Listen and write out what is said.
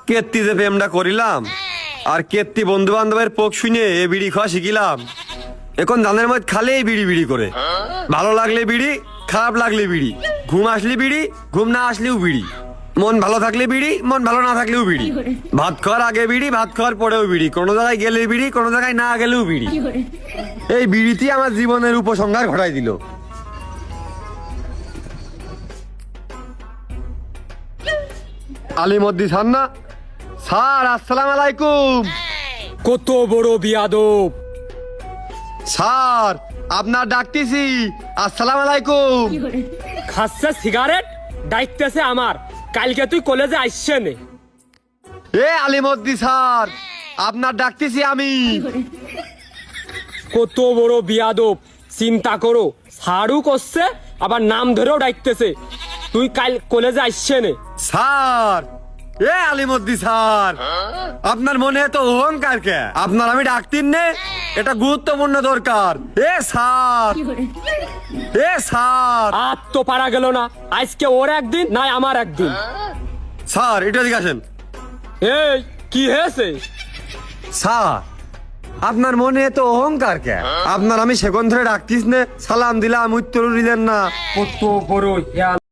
কেত্তি যে প্রেমটা করিলাম আর কেত্তি বন্ধু বান্ধবের পোক শুনে এ বিড়ি খাওয়া শিখিলাম। এখন ধানের মধ্যে খালেই বিড়ি বিড়ি করে, ভালো লাগলে বিড়ি, খারাপ লাগলে বিড়ি, ঘুম আসলে বিড়ি, ঘুম না আসলেও বিড়ি, মন ভালো থাকলে বিড়ি, মন ভালো না থাকলেও বিড়ি, ভাত খাওয়ার আগে বিড়ি, ভাত খাওয়ার পরেও বিড়ি, কোনো জায়গায় গেলে বিড়ি, কোনো জায়গায় না গেলেও বিড়ি। এই বিড়িটি আমার জীবনের উপসংহার ঘটাই দিল। আলিমদ্দি স্যার না? স্যার আসসালাম আলাইকুম। কত বড় বিয়াদব! স্যার আপনার ডাকতেছি, আসসালাম আলাইকুম। খাচ্ছে সিগারেট, ডাইতেছে আমার। কালকে তুই কলেজে আসছে নে। এ আলিমদ্দি স্যার, আপনার ডাকতেছি আমি। কত বড় বিয়াদব! চিন্তা করো, সারু করছে আবার নাম ধরেও ডাকতেছে। তুই কাল কলেজে আসছে নে। স্যার, এ আলিমদ্দি স্যার, আপনার মনে তো অহংকার কে? আপনার আমি ডাকতিন নে, এটা গুরুত্বপূর্ণ দরকার। এ স্যার, এ স্যার। আর তো পারা গেল না, আজকে ওর একদিন নাই আমার একদিন। স্যার এটা দিকে আসেন। এই কি হয়েছে? স্যার আপনার মনে তো অহংকার কে? আপনার আমি সেকন্ড ধরে ডাকতিস নে, সালাম দিলাম উত্তর দিলেন না। কত বড়